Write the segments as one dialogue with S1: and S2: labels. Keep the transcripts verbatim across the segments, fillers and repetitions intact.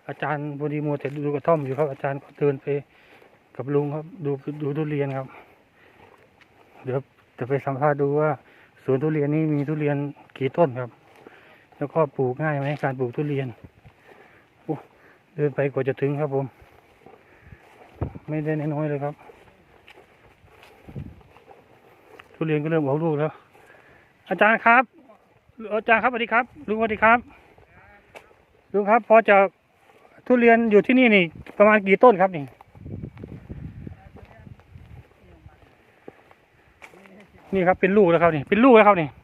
S1: อาจารย์พอดีมัวแต่ดูกระท่อมอยู่ครับอาจารย์ก็เดินไปกับลุงครับดูดูทุเรียนครับเดี๋ยวจะไปสัมภาษณ์ดูว่าสวนทุเรียนนี้มีทุเรียนกี่ต้นครับแล้วก็ปลูกง่ายไหมการปลูกทุเรียนโอ้เดินไปกว่าจะถึงครับผมไม่ได้น้อยเลยครับทุเรียนก็เริ่มออกลูกแล้วอาจารย์ครับอาจารย์ครับสวัสดีครับลุงสวัสดีครับลุงครับพอจะทุเรียนอยู่ที่นี่นี่ประมาณกี่ต้นครับนี่นี่ครับเป็นลูกแล้วครับนี่เป็นลูกแล้วครับนี่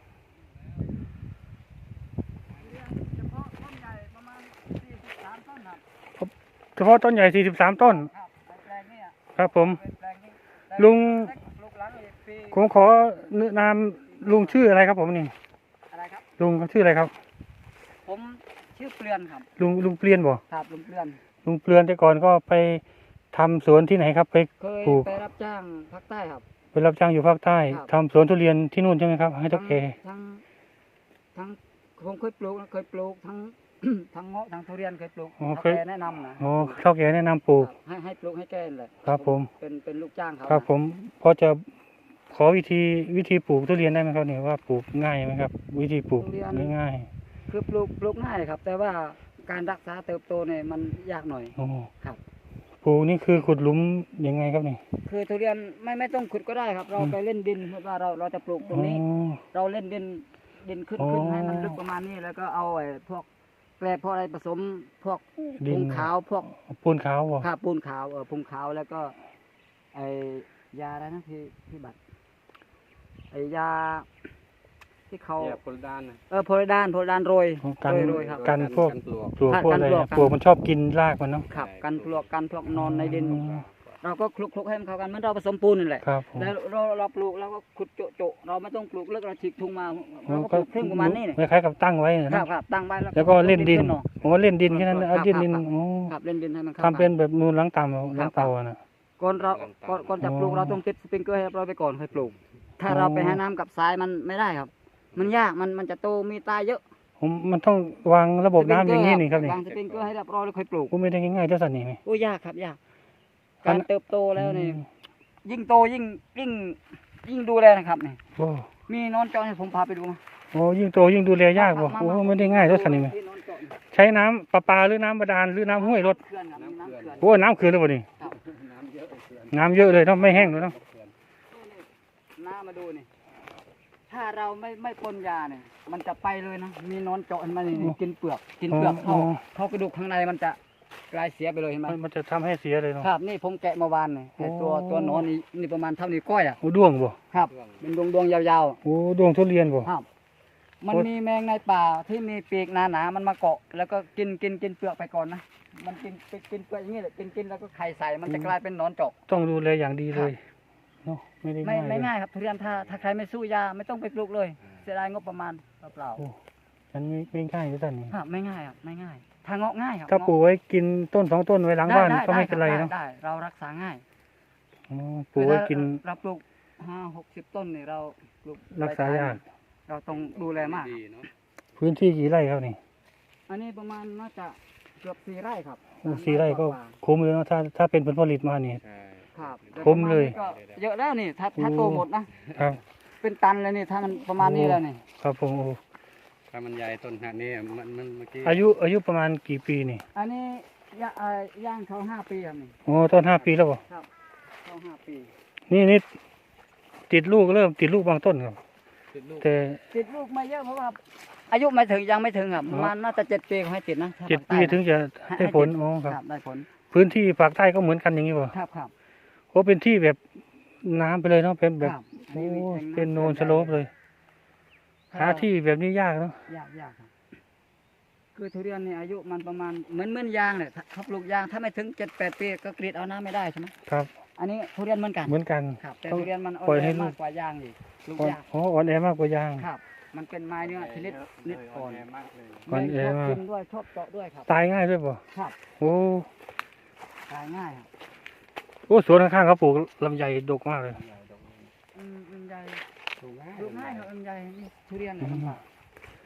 S1: เฉพาะต้นใหญ่สี่สิบสามต้นครับผมลุงผมขอแนะนำลุงชื่ออะไรครับผมนี่
S2: อะไรครับ
S1: ลุงชื่ออะไรครับ
S2: ผมชื่อเปลือนครับ
S1: ลุงลุงเปลี่ยนบ่
S2: ครับลุงเปลือน
S1: ลุงเปลือนแต่ก่อนก็ไปทำสวนที่ไหนครับไป
S2: ปลูกไปรับจ้างภาคใต้ครับ
S1: ไปรับจ้างอยู่ภาคใต้ทำสวนทุเรียนที่นู่นใช่ไหมครับให้เจ้าแก่
S2: ทั้งทั้งผมเคยปลูกเคยปลูกทั้งทั้งเงาะทั้งทุเรียนเคยปลูกเท่าแก่แนะนำนะ
S1: อ๋อเท่าแก่แนะนำปลูก
S2: ให้ให้ปลูกให้แก่เลย
S1: ครับผม
S2: เป็นเป็นลูกจ้างเขา
S1: ครับผมพอจะขอวิธีวิธีปลูกทุเรียนได้ไหมครับเนี่ยว่าปลูกง่ายไหมครับวิธีปลูกง่าย
S2: ๆคือปลูกปลูกง่ายครับ แต่ว่าการรักษาเติบโตเนี่ยมันยากหน่อย
S1: โอ้
S2: ครับ
S1: ปลูกนี่คือขุดหลุมยังไงครับนี่
S2: คือทุเรียนไม่ไม่ต้องขุดก็ได้ครับ เราไปเล่นดินว่าเราเราจะปลูกตรงนี้เราเล่นดินดินขึ้นขึ้นให้มันลึกประมาณนี้แล้วก็เอาไอ้พวกแกลบพวกอะไรผสมพวกปูนขาวพวก
S1: ปูนขาว
S2: ครับปูนขาวเออปูนขาวแล้วก็ไอ้ยาอะไรนะพี่พี่บัตรไอ้ยาที่เขา
S3: โพลิดาน
S2: เออโพลิดานโพลิดานโรย
S1: กัน
S2: โรยครับ
S1: กันพวกปลวกพวกอะไรปลวกมันชอบกินรากมันเนาะ
S2: ครับกันปลวกกันพวกนอนในดินเราก็คลุกคลุกให้มันเข้ากันเหมือนเราผสมปูนนี่แหละแล้วเราเราปลูกเราก็ขุดโจโจเราไม่ต้องปลูกเลิกเราฉีกทุ่งมาเราก็ปลูกครึ่งประมาณนี้
S1: คล้ายๆกับตั้งไว้
S2: นะครับครับตั้งไว้
S1: แล้วก็เล่นดินผมว่าเล่นดินแค่นั้นเอาเล่นดิน
S2: ครับเล่นดินให้มัน
S1: ทำเป็นแบบมูลล้างต่ำล้างเตานะ
S2: ก่อนเราก่อนจะปลูกเราต้องติดสปริงเกอร์ให้เราไปก่อนค่อยปลูกถ้าเราไปให้น้ำกับทรายมันไม่ได้ครับมันยากมันมันจะโตมีตายเยอะ
S1: ผมมันต้องวางระบบน้ำอย่างนี้นี่ครับนี่
S2: วางสปริงเกอร์ให้เรียบร้อยแล้วค่อยปลูก
S1: ก็ไม่ได้ง่ายๆเท่าสันนี่ไหม
S2: โอ้ยากครับยากการเติบโตแล้วนี่ยิ่งโตยิ่งยิ่งยิ่งดูแลนะครับนี่มีนอนเจาะให้ผมพาไปดู
S1: โอ้ยิ่งโตยิ่งดูแลยากบ่โอ้ไม่ได้ง่ายเท่าสันนี่ไหมใช้น้ำประปาหรือน้ำบาดาลหรือน้ำห้วยรถโอ้น้ำเขื่อนเลยบ่นี่น้ำเยอะเลยต้องไม่แห้งเลยเนาะ
S2: น้ำมาดูนี่ถ้าเราไม่ไม่พ่นยาเนี่ยมันจะไปเลยนะมีนอนเจาะมันนี่กินเปลือกกินเปลือกเข้าเข้ากระดูกข้างในมันจะกลายเสียไปเลยเห็นไหม
S1: มันจะทำให้เสียเลยเนาะ
S2: ครับนี่ผมแกะเมื่อวานนี่ตัวตัวนอนนี่นี่ประมาณเท่านี้ก้อยอ่ะ
S1: โอ้ด้วงบ่
S2: ครับเป็นดวงดวงยาว
S1: ๆโอ้ดวงทุเรียนบ่
S2: ครับมันมีแมงในป่าที่มีปีกหนาๆมันมาเกาะแล้วก็กินกินกินเปลือกไปก่อนนะมันกินกินเปลือกอย่างนี้แหละกินกินแล้วก็ไข่ใส่มันจะกลายเป็นนอนเจาะ
S1: ต้องดูแลอย่างดีเลยเนาะ
S2: ไม่ได้ง่ายไม่ง่ายครับทุเรียนถ้าถ้าใครไม่สู้ยาไม่ต้องไปปลูกเลยเสียดายงบประมาณเปล่า
S1: ๆมันไม่ง่ายที่สุดนี่
S2: ครับไม่ง่ายครับไม่ง่ายทางเงาะง่ายครับ
S1: ถ้าปลูกไว้กินต้นสองต้นไว้หลังบ้านก็ไม่เป็นไรเนาะ
S2: ได้เรารักษาง่าย
S1: ปลูกไว้กิน
S2: เราปลูกห้าหกสิบต้นนี่เราปลูก
S1: รักษายาก
S2: เราต้องดูแลมาก
S1: พื้นที่กี่ไร่ครับนี่
S2: อันนี้ประมาณน่าจะเกือบสี่ไร่ครับ
S1: สี่ไร่ก็คุ้มเลยเนาะถ้าถ้าเป็นผลผลิตมานี่
S2: ครับ
S1: คุ้มเลย
S2: เยอะแล้วนี่ถ้าถ้าโตหมดนะครับเป็นตันเลยนี่ถ้ามันประมาณนี้แล้วนี่
S1: ครับผม
S3: ถ้ามันใหญ่ต้นขนาดนี้มันมันเมื่อกี้
S1: อายุอายุประมาณกี่ปีนี่
S2: อันนี้ย่างเขาห้าปีครับนี่
S1: โอ้ต้นห้าปีแล้วบ่
S2: ครับเขาห้าปี
S1: นี่นี่ติดลูกเริ่มติดลูกบางต้นครับแต่
S2: ติดลูกไม่เยอะเพราะว่าอายุไม่ถึงยังไม่ถึงครับประมาณน่าจะเจ็ดปีให้ติดนะ
S1: เจ็ดปีถึงจะได้ผลอ๋อครับ
S2: ได้ผล
S1: พื้นที่ภาคใต้ก็เหมือนกันอย่างนี้ป่ะ
S2: ครับครับ
S1: โอ้เป็นที่แบบน้ำไปเลยเนาะเป็นแบบโอ้เป็นโนนสโลปเลยหาที่แบบนี้ยากเนาะ
S2: ยากยากครับคือทุเรียนนี่อายุมันประมาณเหมือนเหมือนยางเลยถ้าปลูกยางถ้าไม่ถึงเจ็ดแปดปีก็กรีดเอาน้ำไม่ได้ใช่ไหม
S1: ครับ
S2: อันนี้ทุเรียนเหมือนกัน
S1: เหมือนกัน
S2: ครับแต่ทุเรียนมันอ่อนแอมากกว่ายางอีกลูกยาง
S1: อ๋ออ่อนแอมากกว่ายาง
S2: ครับมันเป็นไม้เนื้อชนิดนิดอ่อน
S3: มากเลย
S1: อ่อนแอมาก
S2: กินด้วยชอบเจาะด้วยครับ
S1: ตายง่ายด้วยป่ะ
S2: ครับ
S1: โอ้
S2: ตายง่ายครับ
S1: โอ้สวนข้างๆเขาปลูกลำไยดกมากเลย
S2: ลำไยปลูกง่ายครับลำไยทุเรียนเนี่ย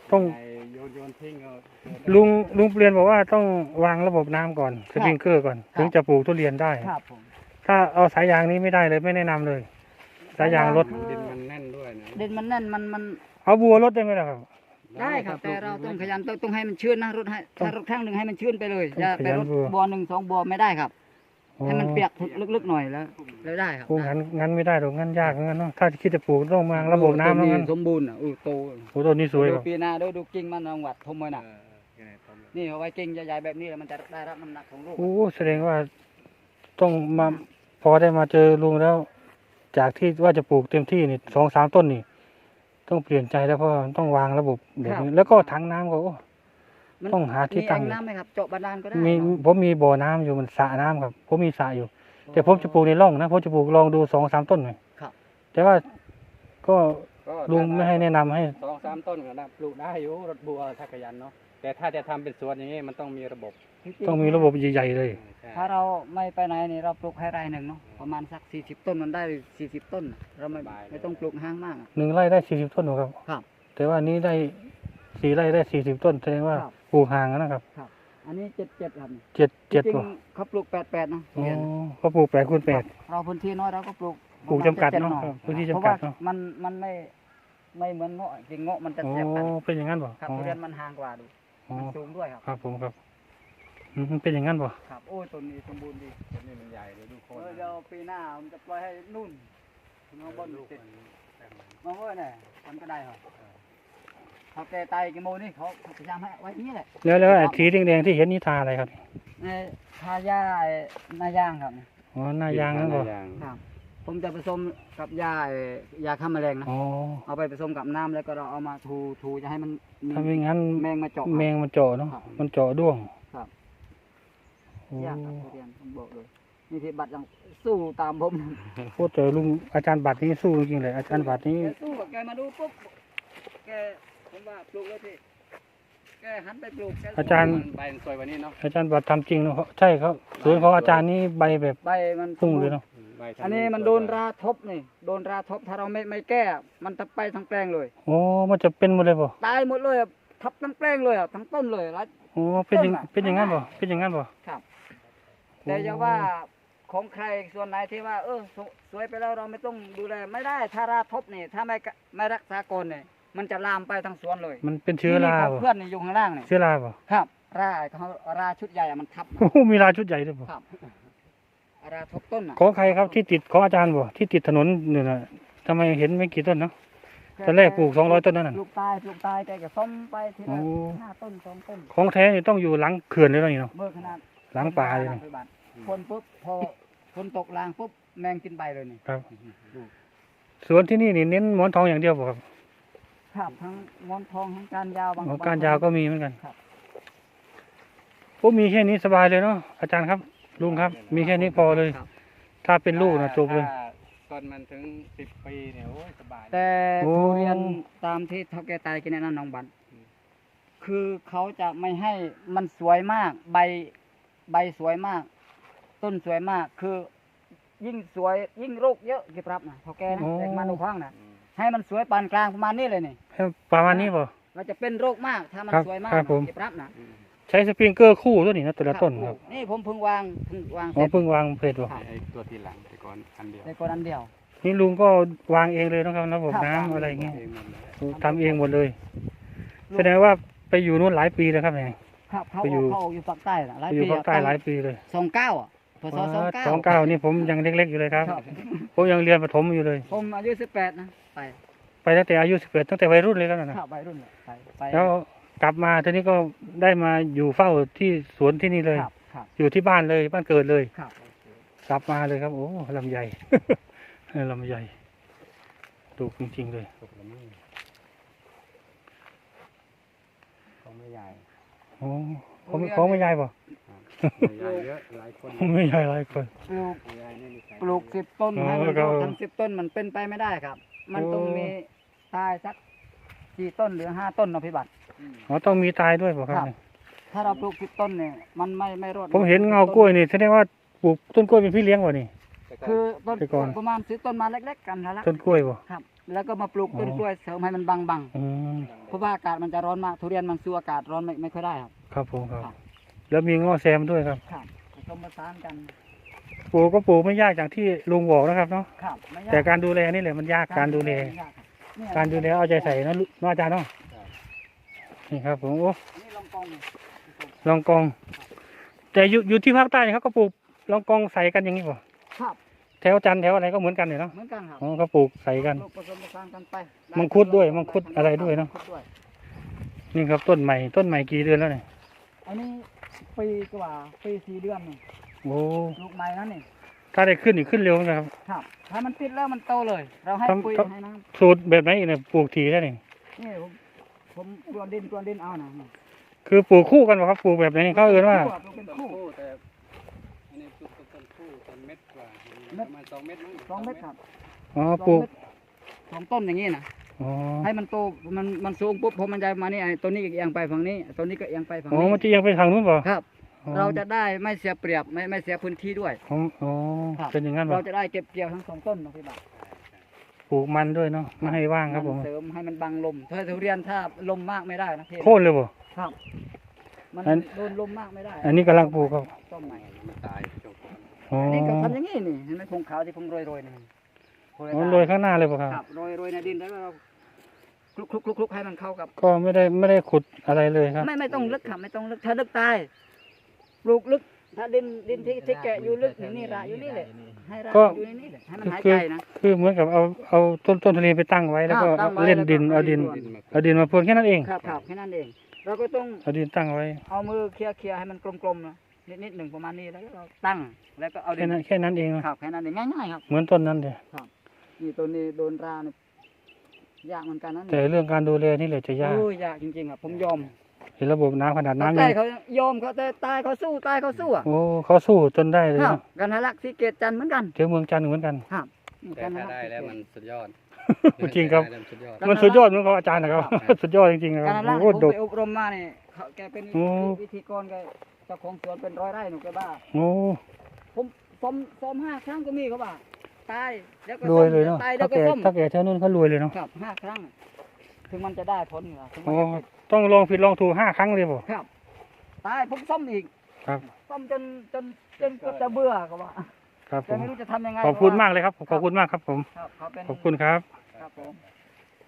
S1: ต้อง
S3: ไอ้โยนโยนทิ้งเอา
S1: ลุงลุงเปลี่ยนบอกว่าต้องวางระบบน้ำก่อนสปริงเกอร์ก่อน ถึงจะปลูกทุเรียนได้
S2: ครับผม
S1: ถ้าเอาสายยางนี้ไม่ได้เลยไม่แนะนำเลย สายยางรถ
S3: ดินมันแน่นด้วยนะ
S2: ดินมันแน่นมันมัน
S1: เอาบัวรถได้ไหมล่ะครับ
S2: ได้ครับแต่เราต้องขยันต้องต้องให้มันชื้นนะรถให้ถ้ารถข้างหนึ่งให้มันชื้นไปเลย
S1: ต้อง
S2: อย่าไปรถ
S1: ขยันบัว
S2: บัวหนึ่งสองบัวไม่ได้ครับ
S1: อ๋อ
S2: ให้มันเปียกลึกๆหน่อยแล้วแล้วได้ครับ
S1: ปลูกงั้นงั้นไม่ได้หรอกงั้นยากงั้นเนาะถ้าคิดจะปลูกต้องวางระบบน้ำแล้วงั้น
S2: สมบูรณ์อ่ะอู้โต
S1: โอ้ต้นนี้สวย
S2: ดู
S1: ครับ
S2: ปีหน้าดูดูกิ่งมันรางวัดทมเลย
S3: เอ
S2: นะ
S3: อเออต้น
S2: นี่เอาไว้กิ่งใหญ่ๆแบบนี้แล้วมันจะได้รับน้ำหนักของลูก
S1: โอ้แสดงว่าต้องมาพอได้มาเจอลุงแล้ว จากที่ว่าจะปลูกเต็มที่นี่สองสามต้นนี่ ต้องเปลี่ยนใจแล้วเพราะต้องวางระบบแบบนี้แล้วก็ถังน้ำก็โอ้
S2: มัน
S1: ต้องหาที่ตั้ง
S2: มีแอ่น้ำไหมครับเจาะบาดาลก็ได้
S1: มี
S2: เนาะ
S1: ผมมีบ่อน้ำอยู่มันสระน้ำครับผมมีสระอยู่ แต่ผมจะปลูกในร่องนะผมจะปลูกลองดูสองสามต้นหน่อย
S2: ครับ
S1: แต่ว่าก็
S3: ก็
S1: ลุงไม่ให้แนะนำให้
S3: สองสามต้นก็ได้ปลูกได้อยู่รถบัวถ้าขยันเนาะแต่ถ้าจะทำเป็นสวนอย่างนี้มันต้องมีระบบ
S1: ต้องมีระบบใหญ่ๆเลย
S3: ใช่
S2: ถ้าเราไม่ไปไหนนี่เราปลูกให้ไร่หนึ่งเนาะประมาณสักสี่สิบต้นมันได้สี่สิบต้นน่ะเราไม่ไม่ต้องปลูกห้างมากอะ
S1: หนึ่งไร่ได้สี่สิบต้นหรอครับ
S2: ครับ
S1: แต่ว่านี้ได้สี่ไร่ได้สี่สิบต้นแสดงว่า
S2: ครับ
S1: ปลูกห่างกันนะครับ
S2: ครับ อันนี้เจ็ดเจ็ดครับ
S1: เจ็ดเจ็ด
S2: จริง
S1: กว่า
S2: ๆเขาปลูกแปดแปดนะ
S1: อ๋อ
S2: เรียน
S1: เขาปลูกแปดคูณแปด
S2: เราพื้นที่น้อยเราก็ปลูก
S1: ปลูกจำกัด
S2: ประม
S1: เนาะ
S2: ณ
S1: ครับ
S2: จ็
S1: พื้นที่
S2: เพราะ
S1: จำกั
S2: ว่า
S1: ดเนาะ
S2: มันมันไม่ไม่เหมือนเงาะจริงเงาะมันจะ
S1: อ๋อ
S2: แสบกัน
S1: เป็นอย่างนั้นบ่
S2: ครับ
S1: อ๋อ
S2: ทุเรียนมันห่างกว่าดู
S1: อ๋อ
S2: มันสูงด้วยครับ
S1: ครับผมครับอืมมันเป็นอย่างนั้นบ่
S2: ครับโอ้ยต้นนี้สมบูรณ์ดี
S3: ต้นนี้มันใหญ่เลยดูโคน
S2: เออเดี๋ยวปีหน้าผมจะปล่อยให้นู่นน้องบน
S3: ลูก
S2: ติด
S3: มันแตกมัน
S2: มาเว้ยเนี่ยมันก็ได้ครับเขาแกตายกี่โมงนี่เขาพยายามให้ไว้นี่แหละ
S1: แล้วแล้วไอ้สีแดงๆที่เห็นนี่ทาอะไรครับ
S2: ในทายาไอ้นายางครับ
S1: อ๋อหน้ายางนั่นบ่
S3: หยาง
S2: ครับ ผมจะผสมกับยาไอ้ยาฆ่าแมลงนะ
S1: อ๋อ
S2: เอาไปผสมกับน้ำแล้วก็เราเอามาทูทูจะให้มันมี
S1: ถ้าไม่งั้น
S2: แมงมาเจาะ
S1: แมงมันเจาะเนาะ
S2: ครับ
S1: มันเจาะด้วง
S2: ครับ
S1: โอ้
S2: ยากครับทุเรียนผมบอกเลยนี่ที่บัตรยังสู้ตามผม
S1: โคตรเจอลุงอาจารย์บัตรนี้สู้จริงๆเลยอาจารย์บัตรนี้
S2: แกสู้แกมาดูปุ๊บแกผมว่าปลูกเลยพี่แกหันไปปลูกแก
S1: อาจารย์
S3: ใบมันสวยกว่านี้เนาะ
S1: อาจารย์บัตรทำจริงเนาะใช่ครับสวนของอาจารย์นี่ใบแบบ
S2: ใบมัน
S1: พุ่งเลยเนาะ
S3: ใบทาง
S2: อันนี้มันโดนราทบนี่โดนราทบถ้าเราไม่ไม่แก้มันจะไปทั้งแปลงเลย
S1: โอ้มันจะเป็นหมดเลยบ่
S2: ตายหมดเลยอะทับทั้งแปลงเลยอะทั้งต้นเลยแล้ว
S1: โอ้เป็นอย่าง
S2: ต้นอะ
S1: เป็นอย่างนั้นบ่เป็นอย่างนั้นบ่
S2: ครับแต่จะว่าของใครส่วนไหนที่ว่า เออสสวยไปแล้วเราไม่ต้องดูแลไม่ได้ถ้าราทบนี่ถ้าไม่กะไม่รักษาก่อนเนี่ยมันจะลามไปทั้งสวนเลย
S1: มันเป็นเชื้อรา
S2: นี่ของ
S1: บ่
S2: เพื่อนนี่อยู่ข้างล่างนี่
S1: เชื้อราบ่
S2: ครับราเขาราชุดใหญ่อะมันทับ
S1: โอ้โหมีราชุดใหญ่ด้วยบ่
S2: ครับราทบต้นอะ
S1: ของใครครับที่ติดของอาจารย์บ่ที่ติดถนนเนี่ยนะทำไมเห็นไม่กี่ต้นเนาะ ตอนแรกปลูกสองร้อยต้นนั่นน่ะ
S2: ปลูกตายปลูกตายแกก็ซ่อมไปทีละ
S1: โอ้
S2: ห้าต้นสองต้น
S1: ของแท้นี่ต้องอยู่หลังเขื่อนเลยเนาะนี่เนาะ
S2: เมื่อขนาด
S1: หลังป่าเลย
S2: ห
S1: เนาะ
S2: งบาทฝนปุ๊บพอฝนตกลางปุ๊บแมงกินใบเลยนี่
S1: ครับ
S2: ดู
S1: สวนที่นี่นี่เน้นหมอนทองอย่างเดียวบ่ครับ
S2: ครับทั้งงอนทองทั้งการยาวบาง
S1: อ๋อบ
S2: ง
S1: การยาวก็มีเหมือนกัน
S2: ครับ
S1: โอ้มีแค่นี้สบายเลยเนาะอาจารย์ครับ ลุงครับ มีแค่นี้พอเลย
S2: ครับ
S1: ถ้าเป็นลูกนะจบเลย
S3: ถ้าต้นมันถึงสิบปีเนี่ยโอ้ยสบาย
S2: แต่
S1: โอ้
S2: ทุเรียนตามที่เท่าแกตายกินแนะนำน้องบันคือเขาจะไม่ให้มันสวยมาก ใบใบสวยมาก ต้นสวยมาก คือ ยิ่งสวยยิ่งโรคเยอะกี่ปรับนะเท่าแกนะ
S1: โอ้
S2: เด็กมาดูข้างนะ
S3: อืม
S2: ให้มันสวยปานกลางประมาณนี้เลยนี่
S1: ให้ประมาณนี้บ่
S2: เราจะเป็นโรคมากถ้ามัน
S1: ครับ
S2: สวยมาก
S1: ครับผม
S2: กี่ปรับนะ
S3: อืม
S1: ใช้สปริงเกอร์คู่ตัวนี้นะแต่ละต้นครับ
S2: นี่ผมเพิ่งวางเพิ่งวาง
S1: อ๋อ
S2: เสร็จ
S1: เพิ่งวางเพจบ่
S3: ไอ้ไอ้ตัวที่หลังแต่ก่อนอันเดียว
S2: ในกรอันเดียว
S1: นี่ลุงก็วางเองเลยนะครับระบบ
S2: ครับ
S1: น้ำ
S2: วางเอง
S1: อะไรอย่างเงี้ย
S3: เองหมดเลย
S1: ทำเองหมดเลย แสดงว่าไปอยู่นู่นหลายปีแล้วครับเนี่ย
S2: ครับเขา
S1: ไปอยู่
S2: เขาอยู่ภาคใต้น่ะหลาย
S1: ไปอยู่
S2: ปี
S1: ภาคใต้หลายปีเลย
S2: สองเก้าอ่ะพศสองเก้า
S1: สองเก้านี่ผมยังเล็กๆอยู่เลยครับ
S2: ครับ
S1: ผมยังเรียนประถมอยู่เลย
S2: ผมอายุสิบแปดนะไป
S1: ไปตั้งแต่อายุสิบเอ็ดตั้งแต่วัยรุ่นเลยครับนะ
S2: ข้าวัยรุ่นเลยไปไป
S1: แล้วกลับมาทีนี้ก็ได้มาอยู่เฝ้าที่สวนที่นี่เลย
S2: ครับครับ
S1: อยู่ที่บ้านเลยบ้านเกิดเลย
S2: ครับ
S1: กลับมาเลยครับ โอ้ลำใหญ่ ลำใหญ่ดูจริงๆเลย
S3: ตกแล้วมั้งเขาไม่ใหญ่
S1: โอ้เขาไม่เขาไม่ใหญ่ป่ะ
S3: ไม่ใหญ่เยอะหลายคน
S1: ไม่ใหญ่หลายคน
S2: ปลูก
S3: ไม่ใหญ่นี่มีใคร
S2: ปลูกสิบต้น
S1: อ๋อ
S2: ให้มัน
S1: แล้วก็
S2: โตทั้งสิบต้นมันเป็นไปไม่ได้ครับ มันต้อง
S1: โอ้
S2: มีตายสักสี่ต้นหรือห้าต้นนะพี่บัตร
S1: อ๋อต้องมีตายด้วยป่ะครับ
S2: ครับ ถ้าเราปลูกสิบต้นเนี่ยมันไม่ไม่รอด
S1: ผมเห็นเงากล้วยนี่แสดงว่าปลูกต้นกล้วยเป็นพี่เลี้ยงป่ะนี่
S3: แต่ก็
S2: คือต้น
S1: แต่ก่อน
S2: ประมาณซื้อต้นมาเล็กๆกันนะละ
S1: ต้นกล้วยป่ะ
S2: ครับแล้วก็มาปลูกต้นกล้วยเสริมให้มันบังบัง
S1: อืม
S2: เพราะว่าอากาศมันจะร้อนมากทุเรียนมันสู้อากาศร้อนไม่ไม่ค่อยได้ครับ
S1: ครับผมครับ
S2: ครับ
S1: แล้วมีง้อแซมด้วยครับ
S2: ครับผสมผสานกัน
S1: ปลูกก็ปลูกไม่ยากอย่างที่ลุงบอกนะครับเนาะ
S2: ครับไม่ยาก
S1: แต่การดูแลนี่แหละมันยากการดูแล
S2: ไม่ยากครับเนี่ย
S1: การดูแลเอาใจใส่นะลูกเนาะอาจารย์เนาะนี่ครับผมโอ้
S2: อันนี้ลองกองเลย
S1: ลองกอง แต่อยู่อยู่ที่ภาคใต้เขาก็ปลูกลองกองใส่กันอย่างนี้ป่ะ
S2: ครับ
S1: แถวจันทร์แถวอะไรก็เหมือนกันเนี่ยเนาะ
S2: เหมือนกันครับ
S1: อ๋อเขาปลูกใส่กัน
S2: ปลูกผสมผสานกันไป
S1: มังคุดด้วยมังคุดอะไรด้วยเนอะ
S2: มังคุดด้วย
S1: นี่ครับต้นใหม่ต้นใหม่กี่เดือนแล้วเนี่ย
S2: อันนี้ปีกว่าปีสี่เดือนนี่
S1: โอ้
S2: ลูกใหม่นั่นนี่
S1: ถ้าได้ขึ้นอีกขึ้นเร็วนะครับ
S2: ครับถ้ามันติดแล้วมันโตเลย เราให้
S1: ทำ
S2: ปุ๋ย
S1: ทำ
S2: ให้น้
S1: สูตรแบบไหนอีกเนี่ยปลูกทีได้นี่
S2: ำนี่ผมผมกวนดินกวนดินเอานะ
S1: คือปลูกคู่กันป่ะครับปลูกแบบไหนนี่เขาเอ่ยว่า
S2: ปลูกเป็น
S3: ต้น
S2: คู่
S3: คู่แต่อันนี้ปลูกต้นคู่ต้นเม็ดกว่าประมาณสองเม็ดมั้ง
S2: สองเม็ดครับ
S1: อ๋อปลูก
S2: สองต้นอย่างนี้นะ
S1: อ๋อ
S2: ให้มันโตมันมันสูงปุ๊บพอมันจะมานี่ไอ้ตัวนี้ก็เอียงไปฝั่งนี้ตัวนี้ก็เอียงไปฝั่ง
S1: อ๋อ
S2: นี้
S1: มันจะยังไปทางนู้นป่ะ
S2: ครับ
S1: อ๋อ
S2: เราจะได้ไม่เสียเปรียบไม่ไม่เสียพื้นที่ด้วย
S1: อ๋ออ๋อ
S2: ครับ
S1: เป็นอย่างนั้น
S2: เรา
S1: ป่ะ
S2: จะได้เก็บเกี่ยวทั้งสองต้นนะพี่บ่าว
S1: ปลูกมันด้วยเนาะไม่ให้ว่างครับผม
S2: นเสริมให้มันบังลมถ้าทุเรียนถ้าลมมากไม่ได้นะพี่
S1: โค่นเลยป่ะ
S2: ครับ มัน
S1: อัน
S2: โดนลมมากไม่ได้
S1: อันนี้กำลังปลูกครับ
S2: ต้นใหม่
S3: มันตายช่วงก่อน
S1: อ๋อ
S2: อันนี้ก็ทำอย่างนี้นี่เห็นไหมพงขาวที่ผมโรยโรยๆนี่
S1: อ๋อโรยข้างหน้าเลยป่ะครับ
S2: ครับโรยโรยในดินแล้วก็เราคลุกคลุกคลุกคลุกให้มันเข้ากับ
S1: ก็ไม่ได้ไม่ได้ขุดอะไรเลยครับ
S2: ไม่ไม่ต้องลึกครับไม่ต้องลึกถ้าลึกตายปลูกลึกถ้าดินดินที่ที่แกะอยู่ลึกอย่างนี่ระอยู่นี่แหละให้ระ
S1: ก็
S2: อยู่ในนี่แหละให้มันหาย
S1: คือ
S2: ใจนะ
S1: คือเหมือนกับเอาเอาต้นต้นทุเรียนไปตั้งไว้แล้วก็
S2: ครับตั้งไว้
S1: เล่นดิน
S2: แล้วก็
S1: เอาดิน
S2: เอาดิน
S1: เอาดินมาพรวนแค่นั้นเอง
S2: ครับครับแค่นั้นเอง เราก็ต้อง
S1: เอาดินตั้งไว้
S2: เอามือเคลียร์เคลียร์ให้มันกลมๆนะนิดนิดหนึ่งประมาณนี้แล้วก็เราตั้งแล้วก็เอาดิ
S1: แค่
S2: น
S1: นั้นแค่นั้นเองนะครับ
S2: แค่นั้นเองง่ายๆครับ
S1: เหมือนต้นนั้นเดีย
S2: นี่ตัวนี้โดนราเนี่ยยากเหมือนกันนะ
S1: แต่เรื่องการดูแลนี่แหละจะยาก
S2: โอ้ยยากจริงๆครับผมยอม
S1: เห็นระบบน้ำขนาด
S2: เขา
S1: น้ำ
S2: ใต้
S1: ยัง
S2: เขายอมเขาแต่ตายเขาสู้ตายเขาสู้อ่ะ
S1: โอ้เขาสู้จนได้เลย
S2: ครับ
S1: นะ
S2: กันทะลักสีเกตจันทร์เหมือนกัน
S1: เที่ยวเมืองจันทร์เหมือนกัน
S2: ครับนี่
S3: แต่
S2: กันทะ
S3: ถ้า
S2: ลัก
S3: ได้
S2: ศรี
S3: แล้ว
S2: เก
S3: มัน
S2: ต
S3: สุดยอด
S1: จริงครับ
S3: ได้แล้วมันสุดยอด
S1: มันสุดยอดเหมือนของอาจารย์นะครับ สุดยอดจริงๆนะค
S2: กั
S1: รั
S2: น
S1: บ
S2: ทะลัก
S1: โอ้
S2: ผม
S1: ดก
S2: ไปอบรมมาเนี่ยเขาแกเป็น
S1: โอ้
S2: วิธีกรแกเจ้าของสวนเป็นร้อยไร่หนูแกบ้า
S1: โอ้
S2: ผมซ้อมซ้อมห้าครั้งก็มีเขาบ้าตายแล้วก็
S1: ร
S2: ซ้
S1: ว
S2: อย ม
S1: เลยเนาะ
S2: ตายแล้
S1: ถ้าว
S2: ก็
S1: แก่
S2: ซ้อม
S1: ถ้าแก่เท่านู้นเขารวยเลยเนาะ
S2: ครับห้าครั้ง ถึงมันจะได้ผลเหรอถึงมั
S1: โอ้
S2: นจะติด
S1: ต้องลองผิดลองถูกห้าครั้งเลยป่ะ
S2: ครับตายผมซ่อมอีก
S1: ครับ
S2: ซ่อมจนจนจนก็จะเบื่อก็ว่า
S1: ครับผ
S2: แต่
S1: ม
S2: ไม่รู้จะทำยังไง
S1: ขอบคุณ
S2: เพระว่
S1: มากเลยครับขอบคุณมากครับผม
S2: ครับเขาเป็น
S1: ขอบคุณครับ
S2: ครับผม